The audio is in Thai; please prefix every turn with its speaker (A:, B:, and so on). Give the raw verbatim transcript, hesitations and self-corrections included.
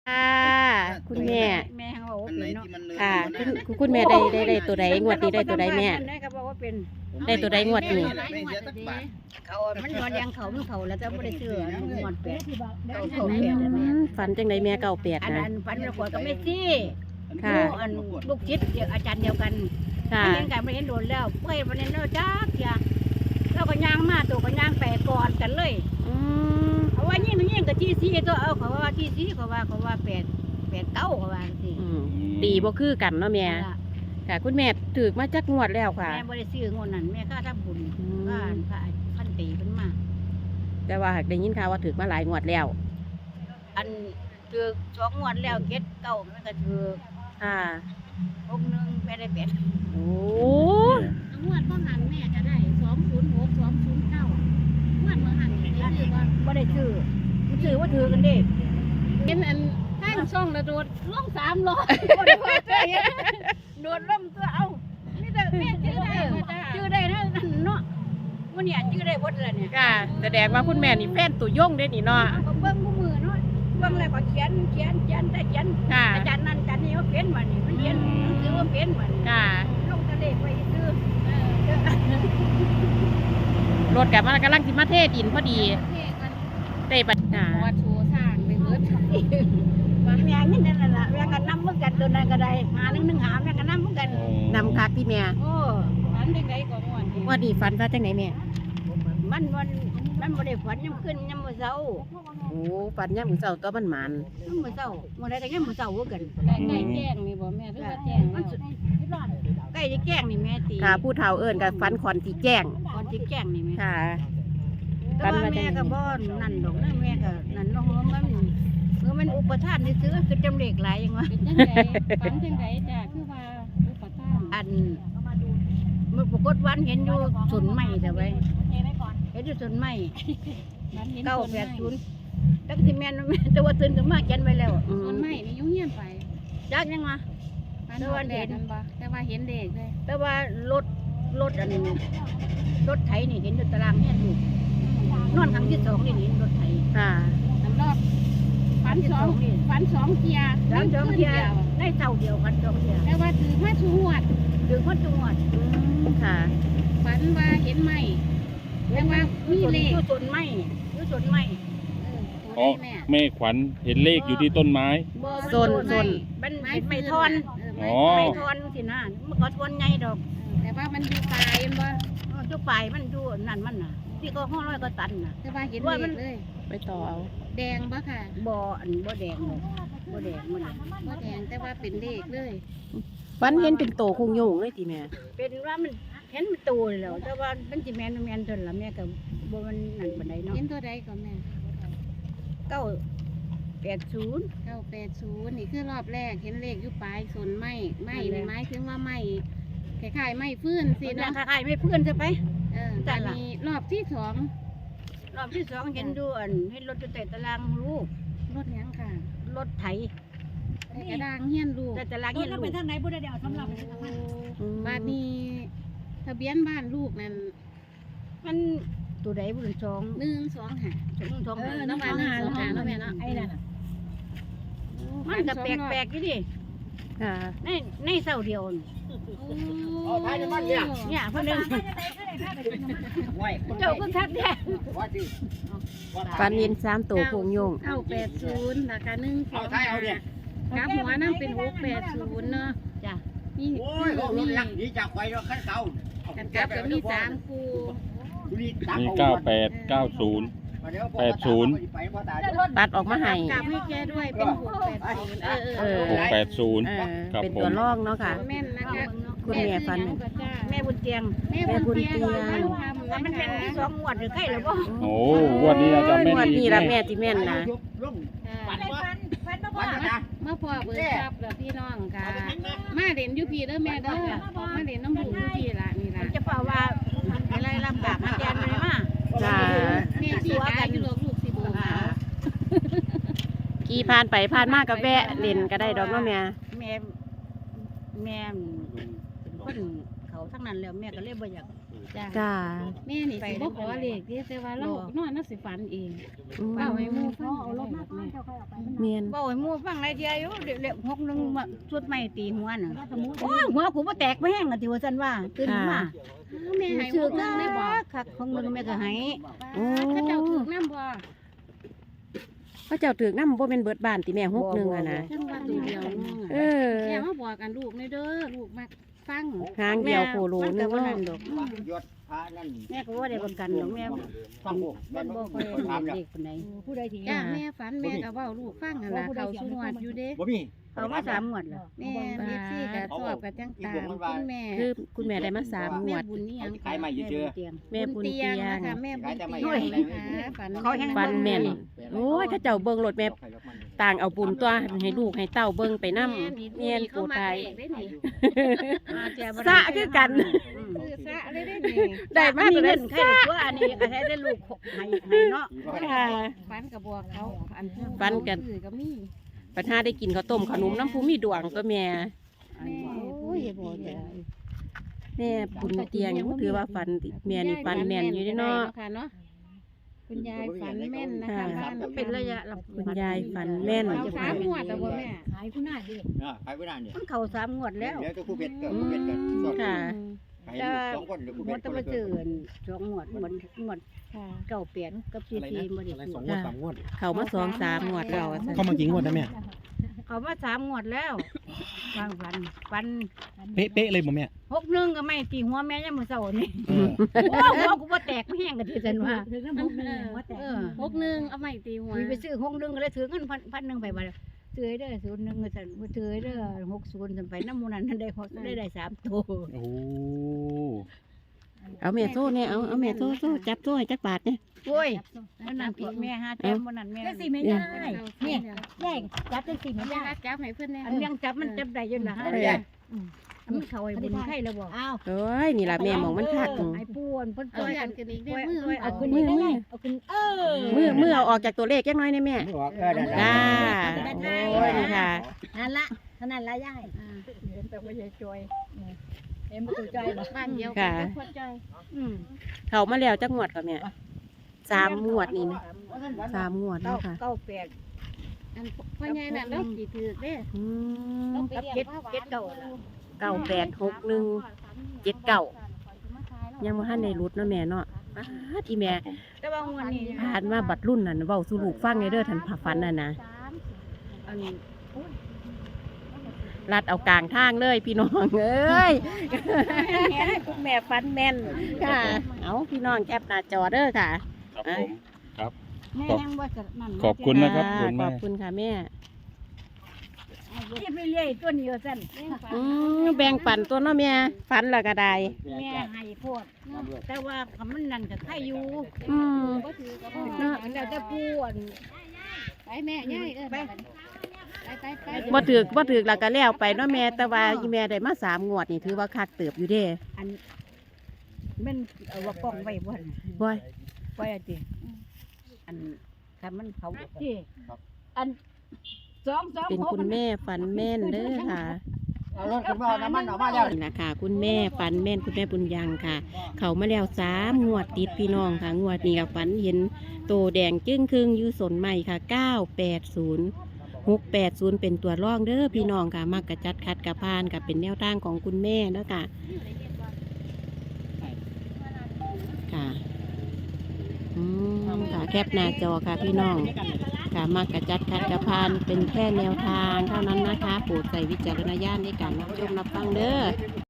A: ค่ะคุณแม่
B: แม่เขาบอกว่าเป็นเนาะ
A: ค่ะคุณคุณแม่ได้ได้ได้ตัวใดงวดนี้ได้ตัวใดแม่
B: ได้ก็บอกว่าเป็น
A: ได้ตัวใดงวดนี้
B: เขามันนอนยังเขามันเขาแล้วจะไม่ได้เชื่อมันงอนแปดเขาเขาแปด
A: อืมฝันจังไดแม่เก่าแปด
B: อัน
A: นะ
B: นั้นฝันเราขอกับแม่ซี่
A: ค่ะ
B: อันลูกชิดเดียวอาจารย์เดียวกัน
A: ค่ะ
B: เห็นกันไม่เห็นโดนแล้วเพื่อนวันนี้เราจ้าเสียเราก็ย่างมาตัวก็ย่างแปดก่อนกันเลย
A: อืม
B: เขาว่ายิ่งยิ่งกับที่ซี่ตัวเอาเขาว่าที่ซี่เขาว่าเขาว่าแปดแปดเก้าเขาว่าสิ
A: อืมตีบ่คือกันเนาะแม่ค่ะคุณแม่ถือมาจักงวดแล้วค่ะ
B: แม่บริซื้องวดนั้นแม่ก็ทำบุญ
A: อืม
B: ก็พระพันตีขึ้นมา
A: แต่ว่าหากได้ยินข่าวว่าถือมาหลายงวดแล้ว
B: อันถือสองงวดแล้วเก็ดเก้ามันก็ถือ
A: ค่ะ
B: องค์หนึงแม่ได้เป็ด
A: โอ้
C: งวดบ่หันแม่จะได้สองศูนย์หกสองศูนย์เก้างวดเมื่อหันนี่ได้ซื้อว่า
B: บ่ได้ซื้อมันซื้อว่าถือกันเด้
C: เป็นอันข้างช่องระโดดล่องสามล้อ
B: บ่ได้พอใจโดนล่มตัวเอานี่แต่แม่ชื่อได้ชื่อได้นะนั่นเนาะวันนี้ชื่อได้หมดแล้วเนี่ย
A: ค่ะแสดงว่าคุณแม่นี่แฟนตัวยงเด้นี่เนาะ
B: ก็เบิ่งมือเนาะเบิ่งแล้วก็เขียนเขียนเขียนแต่เขียน
A: ค่ะ
B: อาจารย์นั่นอาจารย์นี่ว่าเป็นมันนี่มันเขียนหนังสือว่าเป็นมัน
A: ค่ะ
B: ลงทะเลไปซื้อ
A: รถกับมันกำลังสิมาเทดินพอดี
C: เทกัน
A: เต้ปัญหา
C: วัดโชว์สร้างไปเบิด
B: ว่าแม่นี่นั่นแหละแม่ก็นำเหมือนกันตัวนั้นก็ได้หาหนึ่งหนึ่งหาแม่ก็นำเหมือนกัน
A: นำคักที่แม่
B: โอ้
C: ฝันจังไดก็ม่วน
A: ว่าดีฝันว่าจังไหนแม่
B: มันมันมันบ่ได้ฝันยามขึ้นยามมื้อเช้า
A: โอ้ฝันยามมื้อเช้าตัวมันหมาน
B: ยามมื้อเช้ามื้อใดก็ยามมื้อเช้าคือกัน
C: ได้ใกล้แจ้งนี่บ่แม่หรือว่าแจ้ง
B: มันสุดใกล้จะแจ้งนี่แม่ตี
A: ค่ะผู้เฒ่าเอิ้นกับฝันขอนที่แจ้ง
B: ก่อนสิแจ้งนี่แม่
A: ค่ะ
B: แต่ว่าแม่ก็บ่นั่นดอกนะแม่ก็นั่นเนาะมันเออมันอุปทานนี่ซื้อคือจำเลขหลายอย่างวะ
C: เป็นจังไดฝันจังไดจ้ะคือว่าอุปทาน
B: อันมันปรากฏวันเห็นอยู่สวนไม้แต่ไว้เห็นอยู่สวนไม้
C: ฝันเห็น
B: เก้า
C: ต้น
B: แป
C: ไม้
B: ดศูนย์แล้วก็สิแม่นแม่แต่ว่าตื่นขึ้นมาเขียนไว้แล้ว
A: อื
C: ต้
A: ม
C: นไม้นี่ยุ่งเงียบไป
B: จักยังวะ
C: ฝันว่าแดดมันบ่แต่ว่าเห็นเด็กเลย
B: แต่ว่ารถรถอันรถไถนี่เห็นอยู่ตารางเฮียนอยู่นอนครั้งที่สองนี่เห็นรถไถ
A: ค่ะ
C: สำรอบฝันสองฝันสองเทีย
B: สามสองเทียได้เท่าเดียวกันสองเทีย
C: แต่ว่าถือมาชูหวด
B: ถึงคนจังหวัด
A: อืมค่ะ
C: ฝันว่าเห็นไหมแต่ว่ามีเลข
B: อยู่สวนไม้อยู่สวนไม้
C: เออ
D: อ๋อ
C: แม่
D: แม่ขวัญเห็นเลขอยู่ที่ต้นไม้
B: บ่
A: โซนโซน
B: มัน
C: ไม้
B: ไม้ทอน
C: เ
D: อ๋อ
B: ไม้ทอนสินะมันก็ทอนใหญ่ดอก
C: แต่ว่ามันอยู่ปลายมันบ่
B: จุกปลายมันอยู่นั่นมันน่ะที่ก็ห้องร้อยก็ตันน่ะ
C: แต่ว่าเห็น
B: ว่า
C: เล
B: มัน
C: ขเลย
A: ไปต่อเอา
C: แดงบ่ค่ะ
B: บ่อันบ่แดงดอกบ่แดงมันน่ะ
C: บ่แดงแต่ว่าเป็นเลขเลย
A: ฝันเห็นเป็นโตคงโยงเลยทีแม่
B: เป็นว่ามันเห็นมันโตแล้วแต่ว่ามันสิแม่นแม่นเท่านั้นล่ะแม่ก็บ่มันนั่นปานใดเนาะ
C: เห็นตัวใดก็แม่
B: เก้าแปดศูนย์
C: เก้าแปดศูนย์นี่คือรอบแรกเห็นเลขอยู่ปลายสนไม้ไม้นี่หมายถึงว่าไม้คล้ายๆไม้ฟื้นสิ
B: สินะ
C: เนาะ
B: คล้ายๆไม่เพื่อนใช่ไป
C: เออ
B: จ้ะ
C: แต่
B: ล่ะ
C: นี้รอบที่สอง
B: รอบที่สองเห็นดูอันเห็นรถอยู่แต่ตารางลูก
C: รถหยังค่ะ
B: รถไถ
C: แต่กระดางเฮียนลูก
B: แต่ตารางเห็นลูก
A: อืม
C: บาดนี้ทะเบียนบ้านลูกนั่น
B: มันตัวใดบุญสอง
C: หนึ่งสองห้า
B: สองสอง
C: เออ
B: ห้า
C: น้ำมันหนึ่งสองห้าเนาะแม่เนาะ
B: ไอ้นั่นน่ะมันก็แปลกๆอยู่ดิ
A: ค่ะ
B: ในในเสาเดียวนี่
C: โอ้ท้ายจะมันเนี่ย
B: เนี่ยเพิ่นนึงเจ้าคือคักแท้
A: ฝันเห็นสามโตคงโยง
C: เก้าแปดศูนย์ราคาหนึ่งสองห้ากลับหัวนั่งเป็นหกแปดศูนย์เนาะ
B: จ้ะ
C: นี่
E: โอ้ยรถรถลักหนีจากไฟรถขั้นเก่า
C: กันกลับก็มีสามคู
D: มีเก้าแปดเก้าศูนย์ แปดศูนย์
A: ตัดออกมาให้
C: กลับให้แกด้วยเป็นหกแปดศูนย์เออเอ
A: เอ
C: อ
A: อ
D: หกแปดศูนย์
A: เออ
D: ครับ
A: เป็น
D: ผม
A: ตัวร่องเนาะค่ะ
C: แม่นนะคะ
A: คุณแม่ฝัน
C: ชื่อหยังก็จ้า
B: แม่บุญเตียง
C: แม่บุญเตียง
A: แม่บุญเตียง
C: ทำ
B: ว่า
C: นะ
B: มันเป็น
C: คะ
B: สองงวดหรือใกล้หรือบ่
D: โอ้วันนี้เราจะแม่น
A: งวด
D: อี
A: นี้
D: ก
A: ละ
D: แม่
A: แม่ที่แม่นนะ
E: ฝันว่า
C: มามาพ่อเบิกทรัพย์เด้อพี่น้องค่ะ มาเด่นอยู่พี่เด้อแม่เด้อมาเด่นน้ำบุญอยู่พี่ละนี่
B: มั
C: ละ
B: นจะเปล่าว่าอะไรลำบากมาแทนเลยมา
A: จ้า
C: แม่สีกายอยู่หลวงลูกสิบุญ
A: ขี่ผ่านไปผ่านมากกับแวะเล่นก็ได้ดอกเนาะแม่
B: แม่แม่เป็นคนเขาทั้งนั้นแล้วแม่ก็เลยบ่อยาก
C: จ้ะ
A: จ้า
C: แม่นี่สิบ่ขอเลขเด้แต่ว่าเรานอนน่ะสิฝันเอง
A: อืม
C: เป้าให้หมู่ฟังเอารถมาก่อนแม่
A: เมียน
B: บ่ให้หมู่ฟังไรเดียวอยู่เดี๋ยวหกหนึงมาชุดใหม่ตีหัวน่ะโอ้ยหัวกูบ่แตกบ่แห้งอ่ะที่ว่าซั่นว่าตื่นมา
C: แม่ให้
B: ซื้อ
C: หกหนึงได้บ่
B: คักของหนึงแม่ก็ให้
A: โอ้
C: เขาเจ้าถูกนำบ่
A: พระเจ้าถือกน้ำบ่เป็นเบิดบ้านติแม่หกหนึ่งอะนะ
C: จังว่าตัวเดียวนึง
A: เออ
C: แม่มาบอกกันลูกในเด้อลูกมักฟัง
A: หางเดียวโคโล
B: มัน
A: นึ
B: ก็
A: ง
B: บ่
A: เนาะ
B: นั่นดอก
E: ยศพระนั่น
B: แม่ก็บ่ได้ประกันดอกแม่
E: ฟังผม
B: มั
E: แม่
B: น
E: บ่
B: บ่
E: ค่
B: ค่
E: อ
B: อย ย
E: ถาม
B: เห็น
E: แล้ว
B: เด็กปานใด
C: ผู้ใดที่จ้าแม่ฝันแม่ก็เว้าลูกฟังนั่นล่ะเขาสุนวดอยู่เด้
E: บ่มี
B: เอามาสามงวดแล้ว
C: แม่เอฟซีก็ชอบก็จังตามคุณแม่
A: คือคุณแม่ได้มาสามง
C: แม่
A: วด
C: บุญนี่หยัง
E: ขายใหม่อยู่เจอ
B: เตียง
A: แม่บุญเตียง
C: นะคะแม่บุญเตียงนะคะฝัน
B: เขาแห้ง
A: ฟันแม่นโอ้ยเข้าเจ้าเบิ่งรถแม่ต่างเอาบุญตัวให้ลูกให้เต้าเบิ่งไปนำเมียน
C: เขา
A: ปู
C: มา
A: ตาย
C: เองได้นี่
A: สะคือกัน
C: ซื้อซะเลยได้นี่
A: ได้มา
B: มี
A: ตัว
B: เงิ
A: นั้น
B: นใครตัวอันนี้ก็ให้ได้ลูกให้ให้เนาะ
A: ค่ะ
C: ฝันกับบัวเขาอัน
A: ฝันกัน
C: ซื้อก็มี
A: ปัญหาได้กินข้าวต้มขนมน้ำผู้มีดวงตัวแม่
C: แม่โอ้ยบ่ได้
A: แม่บุญเตียงถือว่าฟันแม่นี่ฟันแม่นอยู่เด้เนาะ
C: ค่ะเนาะคุณยายฝันแม่นนะคะ
A: ค่ะ
C: บ้าน
B: เป็นระยะลำ
A: คุณยายฝันแม่น
C: เอาสามงวดแต่บ่แม่
B: ขายผู้หน้าดิ
E: อ่าขายไว้นานเนี่ย
B: มันเข้าสามงวดแล้ว
E: เดี๋ยวจะคู่เพชรก็คู่เพชรก็สด
A: ค่ะ
E: ขายลูกสองคนหรือคู่
B: ง
E: เพ
B: ว
E: ช
B: ด
E: ร
B: ตะมาเจอสองงวดงวดงวด
C: ค่ะ
B: เก้าเปลี่ยนกับซีซีบ่ได้
F: สองงวดสามงวด
A: เขามาสองสามงวดแล้วอะ
F: เข้ามากี่งวดนะแม่
B: เขามาสามงวดแล้ววางฟันฟัน
F: เป๊ะเป๊ะเลยบ่แม่
B: หกหนึงก็ไม่ตีหัวแม่ยังมื้อเช้านี่
F: เออ
B: โอ้หัวกูบ่แตกแห้งก็ที่ซั่นว่าเออ
C: หกหนึ่งเอาใหม่ตีหัว
B: มีไปซื้อหกหนึงก็เลยถือเงินพันพันหนึงไปบ่าซื้อให้เด้อศูนย์หนึงก็ซั่นบ่ถือให้เด้อหกศูนย์ซั่นไปนำหมู่นั้นนั่นได้ได้ได้สามตัว
F: โอ้
A: เอาแม่โซ่เนี่ยเอาเอาแม่โซ่โซ่จับโซ่ให้จักบาทเนี่ย
B: โอ้ยมันนั่นตัวแม่หาแต้มมันนั่นแม่นั่นสิแม่ได้
C: เนี่ย
B: ใหญ่จับจังสิแม่
C: แม่
B: ได้
C: รักจับให้เพิ่นแน่
B: อันยังจับมันจับได้อยู่นะฮะ
A: เออ
B: อันมันเข้าไอ้บุญไข่แล้วบ่อ้าว
A: โอ้ยนี่ล่ะแม่หมองมันคัก
B: ไอ้ป่วนเพิ่น
C: เอา
B: ช่วย
C: ยั
B: กัน น
C: กันอีกได้
B: ช่วย
C: มือ
B: ช่วย
C: เอา
B: เอา
C: ขึ้
B: ขึ้
C: น
B: น
C: นี่
B: นี่
C: ได้
B: ได้เอาขึ้นเออ
A: มือมือเอาออกจากตัวเลขจักหน้อยเนี่ยแม่
E: ไม่ออกเออนั่น
A: จ้า
E: แหละ
A: โอ้ยนี่ค่ะ
B: นั่นละเท่านั้นละยายเห็นแต่ว่าใหญ่จอยเห็นบ่ตัวจอยบ่
C: บ้านเดียว
A: ค่ะ
C: กันพอใจ
B: อืม
A: เขามาแล้วจักงวดก่อนแม่สามงวดนี่นะสามงวด
B: เก้า
A: เนาะค่ะ
B: เก้าแปด
C: อันพ่อใหญ่น่ะเราสิถือเด้
A: อืม
B: กับเจ็ดเจ็ดเก้า
A: เก้าแปดหกหนึ่งเจ็ดเก้ายังบ่ทันได้รุดเนาะแม่เนาะอ้าที่แม่
B: แต่ว่างวดนี้
A: ผ่านมาบัดรุ่นนั่นเว้าสู่ลูกฟังไงเด้อท่านผ่าฟันน่ะนะ
B: อันนี้
A: ลัดเอากลางทางเลยพี่น้องเอ้ย คุณแม่ฟันแม่นค่ะ เอาพี่น้องแคปหน้าจอเด้อค่ะ
D: ครับผมครับ
B: แม่ยังว่าจะนั่น
D: ขอบคุณนะครับคุณ
A: ข
D: แม่
A: อบคุณค่ะแม่
B: เฮ็ดไปเรื่อยตัวนี้ว่าซั่น
A: อืมแบ่งปันตัวเนาะแม่ฟันและก็ได้
B: แม่ให้โพดแต่ว่าคำมันนั่นก็ใครอยู่
A: อืม
C: บ่ถือก็บ่
B: เนาะแล้วแต่ผู้อัน
C: ไปแม่ยายเออไปไปไปไป
A: บ่ถือกบ่ถือกแล้วก็แล้วไปเนาะแม่แต่ว่าอีแม่ได้มาสามงวดนี่ถือว่าคักเติบอยู่เด้
B: อันแมันเอาว่ากล้องไว้บ่หั่น
A: บ่ย
B: ไว้อะติอันคันมันเขาติอันสองสอง
A: เป็น
B: หก
A: คุณแม่ฟันแม่นเด้อค่ะ
E: เอารถขึ้นมาเอาน้ำมันออกมาแล้ว
A: นี่นะคะคุณแม่ฝันแม่นคุณแม่บุญยังค่ะ เขามาแล้วสามงวดติดพี่น้องค่ะ งวดนี้กับฝันเห็นโตแดงจึ้งครึ่งอยู่สนใหม่ค่ะเก้าแปดศูนย์หกแปดศูนย์เป็นตัวร่องเด้อพี่น้องค่ะมักกระจัดคัดกระพานกับเป็นแนวทางของคุณแม่เนาะค่ะค่ะอืมค่ะแคปหน้าจอค่ะพี่น้องค่ะมักกระจัดคัดกระพานเป็นแค่แนวทางเท่านั้นนะคะโปรดใส่วิจารณญาณในการรับชมรับฟังเด้อ